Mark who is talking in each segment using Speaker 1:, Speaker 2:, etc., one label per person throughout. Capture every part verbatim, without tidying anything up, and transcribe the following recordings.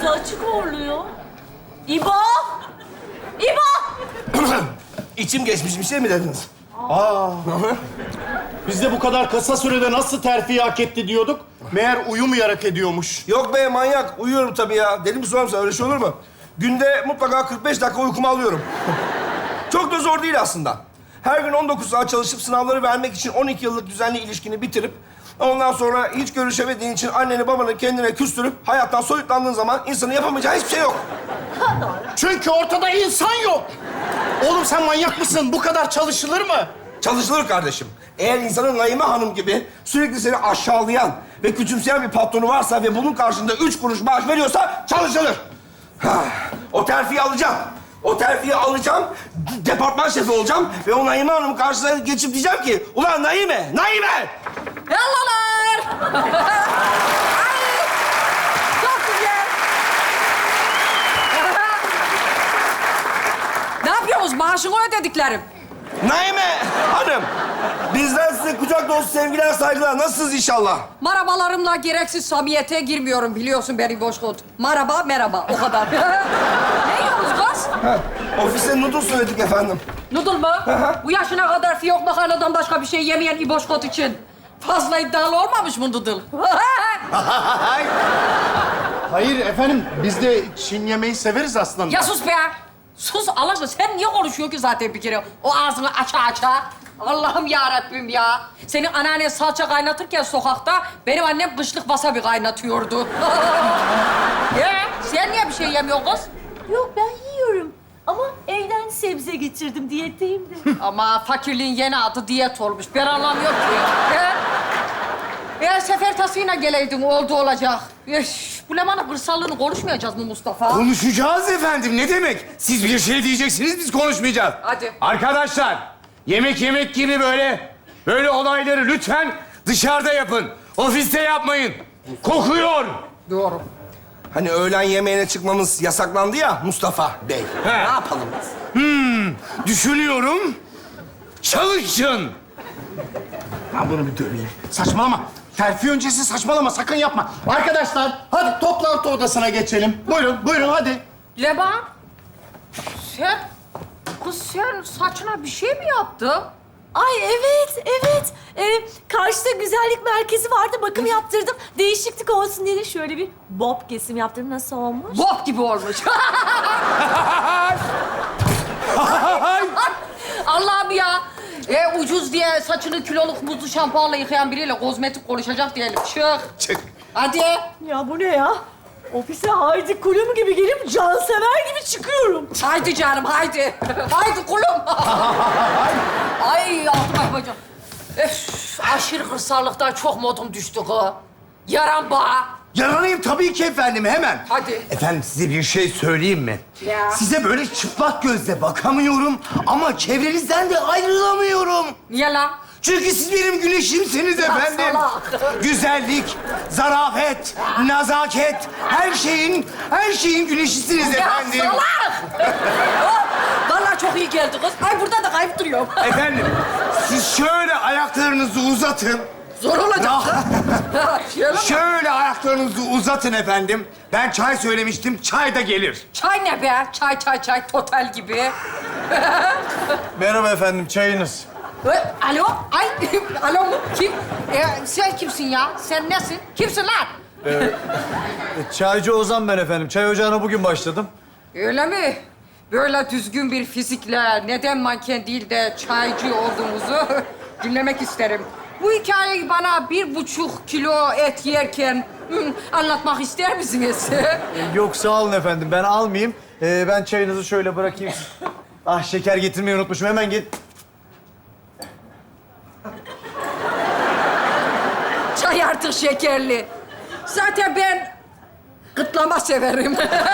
Speaker 1: Ağzı açık horluyor. İbo! İbo!
Speaker 2: İçim geçmiş bir şey mi dediniz?
Speaker 3: Aa. Biz de bu kadar kısa sürede nasıl terfi hak etti diyorduk. Meğer uyumayarak ediyormuş.
Speaker 2: Yok be manyak. Uyuyorum tabii ya. Deli mi sorarım sana? Öyle şey olur mu? Günde mutlaka kırk beş dakika uykumu alıyorum. Çok da zor değil aslında. Her gün on dokuz saat çalışıp sınavları vermek için on iki yıllık düzenli ilişkini bitirip ondan sonra hiç görüşemediğin için anneni babanı kendine küstürüp hayattan soyutlandığın zaman insanın yapamayacağı hiçbir şey yok.
Speaker 3: Çünkü ortada insan yok. Oğlum sen manyak mısın? Bu kadar çalışılır mı?
Speaker 2: Çalışılır kardeşim. Eğer insanın Naime Hanım gibi sürekli seni aşağılayan ve küçümseyen bir patronu varsa ve bunun karşında üç kuruş maaş veriyorsa çalışılır. Ha, o terfiyi alacağım. O terfiyi alacağım, departman şefi olacağım ve o Naime Hanım'ın karşısına geçip diyeceğim ki ulan Naime, Naime!
Speaker 4: Yallalar! Ay! Çok güzel! Ne yapıyorsunuz? Maaşını ödediklerim.
Speaker 2: Naime Hanım, bizden size kucak dolusu sevgiler, saygılar. Nasılsınız inşallah?
Speaker 4: Marabalarımla gereksiz samimiyete girmiyorum biliyorsun beni Boşkurt. Maraba, merhaba. O kadar. Ne yiyorsunuz kız?
Speaker 2: Ha, ofiste noodle söyledik efendim.
Speaker 4: Noodle mu? Bu yaşına kadar fiyok makarnadan başka bir şey yemeyen İboşkot için fazla iddialı olmamış mı noodle?
Speaker 3: Hayır efendim, biz de Çin yemeği severiz aslında.
Speaker 4: Ya sus be! Sus Allah aşkına. Sen niye konuşuyorsun ki zaten bir kere? O ağzını aça aça. Allah'ım ya Rabbim ya. Senin anneannen salça kaynatırken sokakta benim annem kışlık wasabi kaynatıyordu. Ya sen niye bir şey yemiyorsun kız?
Speaker 1: Yok ben yiyorum. Ama evden sebze getirdim, diyetteyim de.
Speaker 4: Ama fakirliğin yeni adı diyet olmuş. Ben anlamıyorum ki. Ya. Eğer sefer tasıyla geleydin oldu olacak. Üf, bu Leman'ın kırsallığını konuşmayacağız mı Mustafa?
Speaker 5: Konuşacağız efendim. Ne demek? Siz bir şey diyeceksiniz, biz konuşmayacağız.
Speaker 4: Hadi.
Speaker 5: Arkadaşlar, yemek yemek gibi böyle, böyle olayları lütfen dışarıda yapın. Ofiste yapmayın. Kokuyor.
Speaker 4: Doğru.
Speaker 2: Hani öğlen yemeğine çıkmamız yasaklandı ya Mustafa Bey.
Speaker 5: He.
Speaker 2: Ne yapalım biz?
Speaker 5: Hmm, düşünüyorum. Çalışın.
Speaker 3: Ben bunu bir döveyim. Saçmalama. Terfi öncesi saçmalama, sakın yapma. Arkadaşlar, hadi toplantı odasına geçelim. Buyurun, buyurun hadi.
Speaker 4: Leman, sen... Kız sen saçına bir şey mi yaptın?
Speaker 1: Ay evet, evet. Ee, karşıda güzellik merkezi vardı, bakım yaptırdım. Değişiklik olsun diye de şöyle bir bob kesim yaptırdım. Nasıl olmuş?
Speaker 4: Bob gibi olmuş. Allah'ım ya. E, ucuz diye saçını kiloluk muzlu şampuanla yıkayan biriyle kozmetik konuşacak diyelim. Çık.
Speaker 2: Çık.
Speaker 4: Hadi.
Speaker 1: Ya bu ne ya? Ofise Haydi Kulum gibi gelip cansever gibi çıkıyorum.
Speaker 4: Haydi canım, haydi. Haydi kulum. Ay, altıma yapacağım. Öf, aşırı kırsallıktan çok modum düştü kız. Yaran bağa.
Speaker 5: Yaranayım tabii ki efendim, hemen.
Speaker 4: Hadi.
Speaker 5: Efendim size bir şey söyleyeyim mi?
Speaker 4: Ya.
Speaker 5: Size böyle çıplak gözle bakamıyorum ama çevrenizden de ayrılamıyorum.
Speaker 4: Niye lan?
Speaker 5: Çünkü siz benim güneşimsiniz efendim.
Speaker 4: salak.
Speaker 5: Güzellik, zarafet, nazaket, her şeyin, her şeyin güneşisiniz efendim.
Speaker 4: Ya salak! Vallahi çok iyi geldi kız. Ay burada da kayıp duruyorum.
Speaker 5: Efendim, siz şöyle ayaklarınızı uzatın.
Speaker 4: Zor olacak.
Speaker 5: Ya.
Speaker 4: Şöyle mi?
Speaker 5: Şöyle ayaklarınızı uzatın efendim. Ben çay söylemiştim, çay da gelir.
Speaker 4: Çay ne be? Çay çay çay total gibi.
Speaker 3: Merhaba efendim, çayınız.
Speaker 4: Ee, Alo? Ay, alo mu? Kim? Ee, sen kimsin ya? Sen nesin? Kimsin lan?
Speaker 6: Çaycı Ozan ben efendim. Çay ocağına bugün başladım.
Speaker 4: Öyle mi? Böyle düzgün bir fizikle neden manken değil de çaycı olduğumuzu dinlemek isterim. Bu hikayeyi bana bir buçuk kilo et yerken hı, anlatmak ister misiniz?
Speaker 6: Yok sağ olun efendim. Ben almayayım. Ee, ben çayınızı şöyle bırakayım. Ah şeker getirmeyi unutmuşum. Hemen git.
Speaker 4: Çay artık şekerli. Zaten ben kıtlama severim.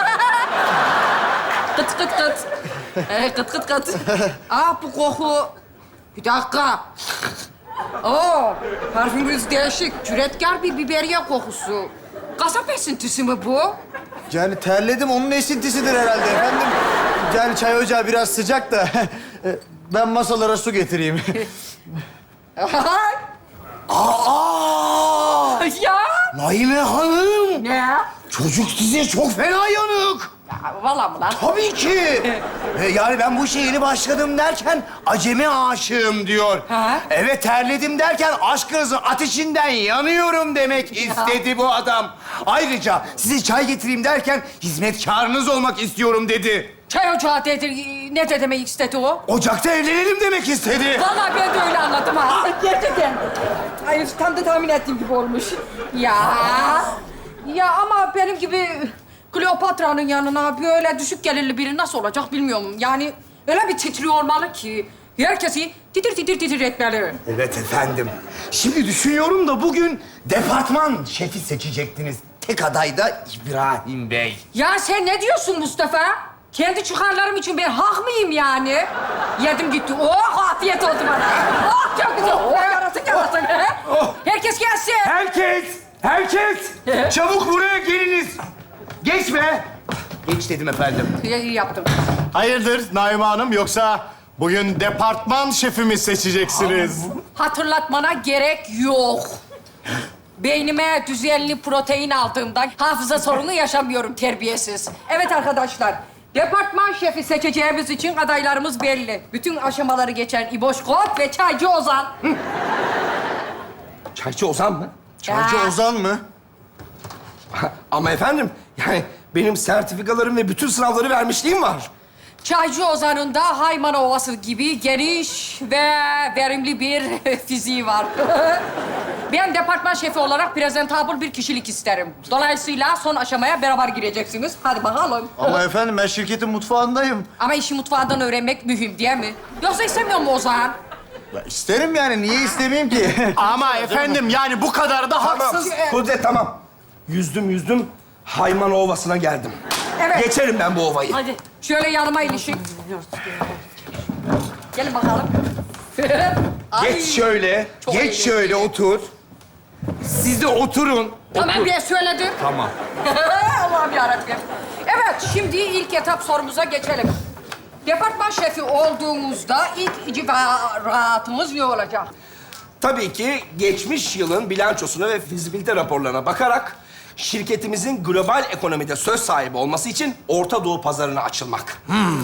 Speaker 4: Kıt kıt kıt. Ee, kıt kıt kıt. Ah bu koku. Bir dakika. Oo, parfümünüz değişik. Cüretkar bir biberiye kokusu. Kasap esintisi mi bu?
Speaker 6: Yani terledim. Onun esintisidir herhalde efendim. Yani çay ocağı biraz sıcak da. Ben masalara su getireyim.
Speaker 5: Aa!
Speaker 4: Ya
Speaker 3: Naime Hanım,
Speaker 4: Ne?
Speaker 3: çocuk size çok fena yanık.
Speaker 4: Ya, vallahi mı lan?
Speaker 3: Tabii ki. E, yani ben bu işe yeni başladım derken acemi aşığım diyor.
Speaker 4: Ha?
Speaker 3: Evet, terledim derken aşkınızın ateşinden yanıyorum demek istedi bu adam. Ayrıca size çay getireyim derken hizmetkarınız olmak istiyorum dedi.
Speaker 4: Çay ocağı dedi, ne de demek istedi o?
Speaker 3: Ocakta evlenelim demek istedi.
Speaker 4: Vallahi ben de öyle anladım ha. Gerçekten. Hayır, tam da tahmin ettiğim gibi olmuş. Ya. Ya ama benim gibi Kleopatra'nın yanına böyle düşük gelirli biri nasıl olacak bilmiyorum. Yani öyle bir titriyor olmalı ki herkesi titir titir titir etmeli.
Speaker 3: Evet efendim. Şimdi düşünüyorum da bugün departman şefi seçecektiniz. Tek aday da İbrahim Bey.
Speaker 4: Ya sen ne diyorsun Mustafa? Kendi çıkarlarım için ben hak mıyım yani? Yedim gitti. Oh, afiyet oldu bana. Oh, çok güzel. Oh, yarasın yarasın. Herkes gelsin.
Speaker 5: Herkes, herkes çabuk buraya geliniz.
Speaker 3: Geçme. Geç dedim efendim.
Speaker 4: İyi, iyi yaptın.
Speaker 7: Hayırdır Naime Hanım, yoksa bugün departman şefimi seçeceksiniz?
Speaker 4: Hatırlatmana gerek yok. Beynime düzenli protein aldığımdan hafıza sorunu yaşamıyorum terbiyesiz. Evet arkadaşlar, departman şefi seçeceğimiz için adaylarımız belli. Bütün aşamaları geçen İboş Kot ve Çaycı Ozan.
Speaker 2: Çaycı Ozan mı?
Speaker 6: Çaycı
Speaker 4: Ya.
Speaker 6: Ozan mı?
Speaker 2: Ama efendim, yani benim sertifikalarım ve bütün sınavları vermişliğim var.
Speaker 4: Çaycı Ozan'ın da Hayman Ovası gibi geniş ve verimli bir fiziği var. Ben departman şefi olarak presentable bir kişilik isterim. Dolayısıyla son aşamaya beraber gireceksiniz. Hadi bakalım.
Speaker 6: Ama efendim ben şirketin mutfağındayım.
Speaker 4: Ama işi mutfağından öğrenmek mühim değil mi? Yoksa istemiyor mu Ozan?
Speaker 6: Ya isterim yani, niye istemeyeyim ki?
Speaker 7: Ama efendim yani bu kadar da
Speaker 2: Tamam,
Speaker 7: haksız.
Speaker 2: Kudret tamam. Yüzdüm yüzdüm, Hayman Ovası'na geldim.
Speaker 4: Evet.
Speaker 2: Geçerim ben bu ovayı.
Speaker 1: Hadi.
Speaker 4: Şöyle yanıma ilişin. Gelin bakalım. Ay,
Speaker 3: Geç şöyle.
Speaker 4: Çok
Speaker 3: geç
Speaker 4: eğlenceli.
Speaker 3: şöyle otur.
Speaker 5: Siz de oturun.
Speaker 4: Tamam ben söyledim.
Speaker 5: Tamam.
Speaker 4: Allah'ım yarabbim. Evet, şimdi ilk etap sorumuza geçelim. Departman şefi olduğumuzda ilk icraatımız ne olacak?
Speaker 2: Tabii ki geçmiş yılın bilançosuna ve fizibilite raporlarına bakarak şirketimizin global ekonomide söz sahibi olması için Orta Doğu pazarına açılmak.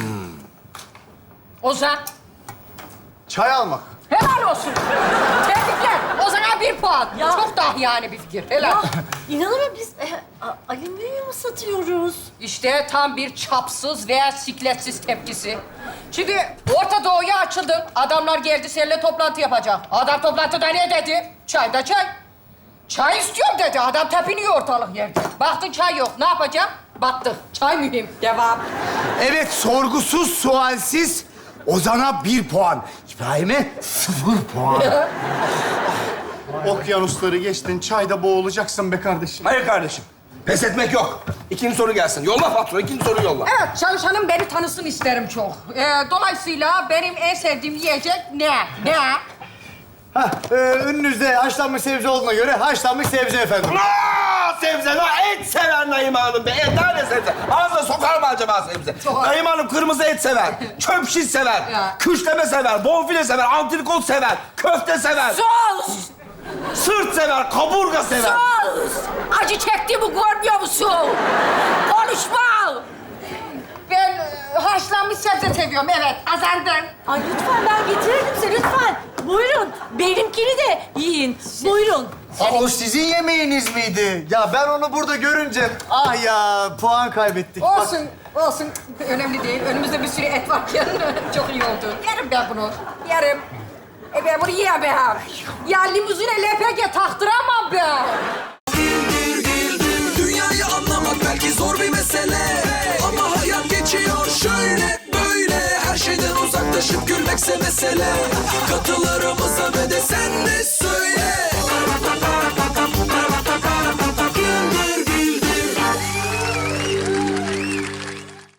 Speaker 4: Ozan,
Speaker 6: Çay almak.
Speaker 4: helal olsun. Tebrikler. Ozan'a bir puan.
Speaker 1: Ya.
Speaker 4: Çok dahiyane bir fikir. Helal.
Speaker 1: Ya inanamıyorum biz e, a- alüminyum satıyoruz.
Speaker 4: İşte tam bir çapsız veya sikletsiz tepkisi. Şimdi Orta Doğu'ya açıldın. Adamlar geldi seninle toplantı yapacak. Adam toplantıda ne dedi? Çay da çay. Çay istiyorum dedi. Adam tepiniyor ortalık yerde. Baktın çay yok. Ne yapacak? Battık. Çay mühim. Devam.
Speaker 3: Evet, sorgusuz, sualsiz Ozan'a bir puan. İbrahim'e sıfır puan.
Speaker 7: Okyanusları geçtin, çayda boğulacaksın be kardeşim.
Speaker 2: Hayır kardeşim, pes etmek yok. İkinci soru gelsin. Yolla patron, ikinci soru yolla.
Speaker 4: Evet, çalışanım beni tanısın isterim çok. Ee, dolayısıyla benim en sevdiğim yiyecek ne? Ne?
Speaker 6: Hah, e, önünüzde haşlanmış sebze olduğuna göre haşlanmış sebze efendim.
Speaker 2: Aa, sebze, la et sever Naime Hanım be. Et, tane sebze. Ağzına sokar mı acaba sebze?
Speaker 4: Sokar.
Speaker 2: Naime Hanım kırmızı et sever, çöp şiş sever,
Speaker 4: Ya.
Speaker 2: küşleme sever, bonfile sever, antrikot sever, köfte sever,
Speaker 4: Sus!
Speaker 2: sırt sever, kaburga sever.
Speaker 4: Sus! Acı çektiğimi görmüyor musun? Konuşma! Ben e, haşlanmış sebze seviyorum, evet. Azardan.
Speaker 1: Ay lütfen ben getirirdim size lütfen. Buyurun. Benimkini de yiyin. Buyurun.
Speaker 6: Aa, o sizin yemeğiniz miydi? Ya ben onu burada görünce ah ya puan kaybettik. Bak,
Speaker 4: Olsun, olsun. Önemli değil. Önümüzde bir sürü et varken çok iyi oldu. Yerim ben bunu. Yerim. E ben bunu yiyemem. Ya limuzine L P G taktıramam ben.
Speaker 8: Dünyayı anlamak belki zor bir mesele, ama hayat geçiyor şöyle böyle. Her şeyden uzaklaşıp gülmekse mesele. Katıl